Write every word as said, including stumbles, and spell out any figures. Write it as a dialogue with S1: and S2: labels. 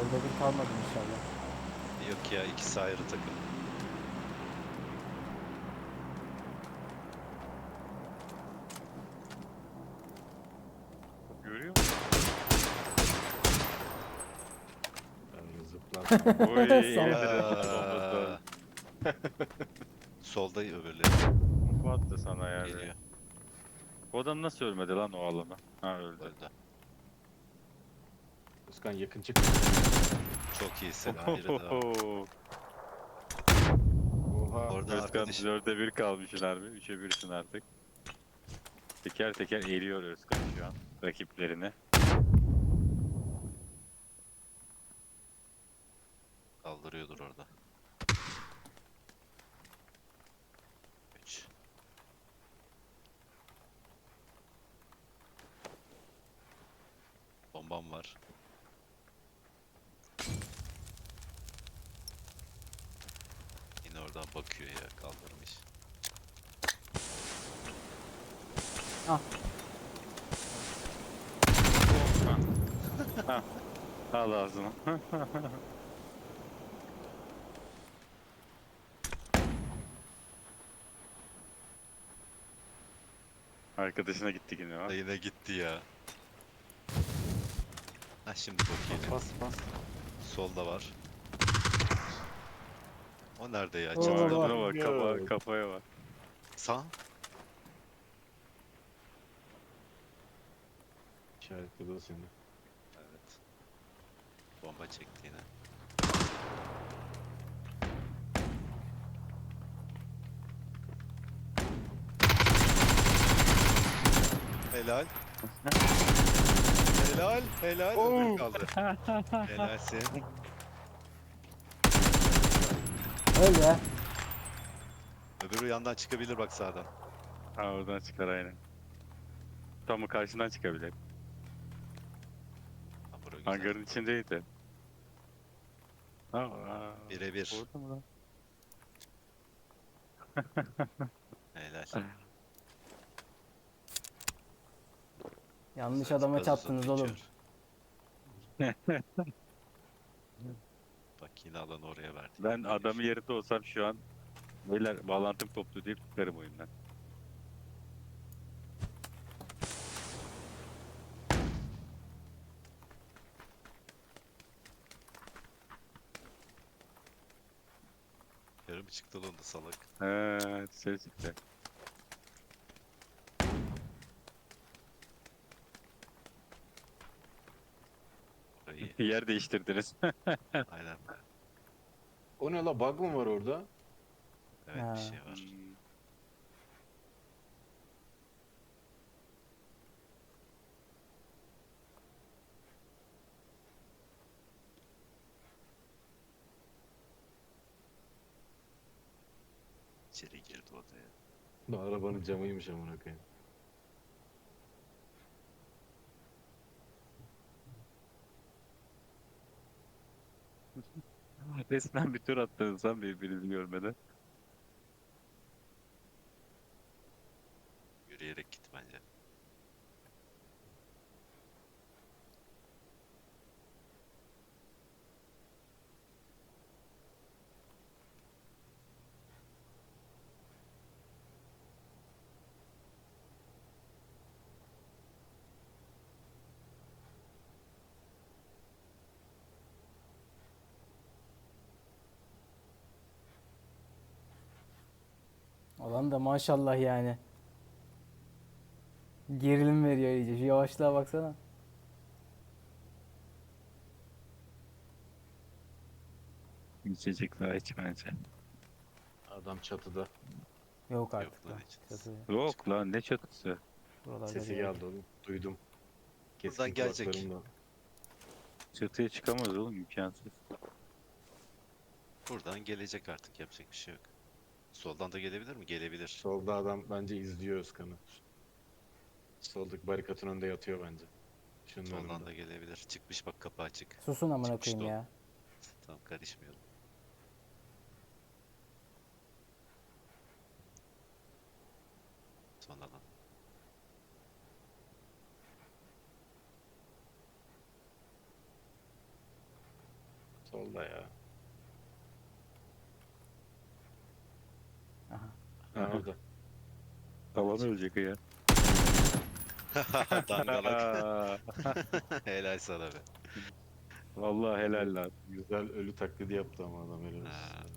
S1: Dörde bir kalmadı inşallah.
S2: Yok ya, ikisi ayrı takım.
S3: Görüyor musun?
S4: Ben zıplarken
S3: Oy iyi
S1: Salak.
S3: bir bombası.
S2: Aa, solda öbürleri
S3: Bomba attı sana yani.
S2: geliyor.
S3: Bu adam nasıl ölmedi lan o alana? Ha öldü.
S2: Öldü.
S4: Özkan yakın çık.
S2: Çok iyisin. Ha, biri daha.
S4: Oha.
S2: Orada
S3: Özkan
S2: arkadaş.
S3: dörde bir kalmışsın harbi. üçe birsin artık. Teker teker eriyor Özkan şu an rakiplerini.
S2: Kaldırıyordur orada. üç. Bombam var. Yine oradan bakıyor ya, kaldırmış.
S1: Ah.
S3: Ha. Al ağzına. Arkadaşına gitti yine ha.
S2: Da yine gitti ya. Ha, şimdi bakayım.
S4: Bas bas.
S2: Solda var. O nerede ya?
S1: Oo,
S2: Çatıda
S1: bak.
S2: mı?
S3: Ağzına bak, kafa, kafaya bak.
S2: Sağ.
S4: İşaretledi o seni.
S2: Evet. Bomba çekti yine. Helal. Helal, helal. Öbür kaldı. Helalsin.
S1: Öyle.
S2: Öbürü yandan çıkabilir bak, sağdan.
S3: Ha oradan çıkar aynen. Tam karşından çıkabilir.
S2: Ha, bura güzel.
S3: Hangarın içindeydi. Ha, aa,
S2: Birebir.
S3: orada mı lan?
S2: Helal.
S1: Yanlış
S2: Güzel,
S1: adama
S2: gazozu
S1: çattınız oğlum.
S2: içiyor. Bak yine alan oraya verdi.
S3: Ben adamın yerinde olsam şu an beyler bağlantım koptu deyip çıkarım oyundan.
S2: Yarım çıktı lan da salak.
S3: He, ses çıktı.
S2: Orayı.
S3: Yer değiştirdiniz.
S2: Aynen.
S4: O ne la, bug mı var orada?
S2: Evet,
S1: Ha.
S2: bir şey var.
S3: Hmm.
S2: İçeri girdi odaya.
S4: Bu arabanın camıymış amına koyayım.
S3: Resmen bir tur attınız lan birbirinizi görmeden.
S2: Yürüyerek git bence.
S1: Olan da maşallah yani. Gerilim veriyor iyice. Şu yavaşlığa baksana.
S3: İçecek daha iç bence.
S4: Adam çatıda.
S1: Yok artık
S2: Yok lan
S1: lan.
S2: hiç.
S1: Çatı.
S3: Yok lan ne çatısı.
S1: Buralarda
S4: Sesi
S1: bir yerde.
S4: geldi oğlum. Duydum. Keskin
S2: Buradan gelecek.
S4: kulaklarımla.
S3: Çatıya çıkamaz oğlum imkansız.
S2: Buradan gelecek artık, yapacak bir şey yok. Soldan da gelebilir mi? Gelebilir.
S4: Solda adam bence izliyor Özkan'ı. Soldaki barikatın önünde yatıyor bence. Şunun
S2: Soldan
S4: önünde.
S2: da gelebilir. Çıkmış bak, kapı açık.
S1: Susun amına
S2: Çıkmıştı
S1: koyayım
S2: o.
S1: ya.
S2: Tamam, karışmayalım. Son alan.
S4: Solda ya.
S1: Aha.
S4: Ha orada.
S3: Alan ölecek ya.
S2: Dangalak. Helal sana be.
S3: Vallahi helal lan.
S4: Güzel ölü taklidi yaptı ama adam helal olsun.
S2: Ha.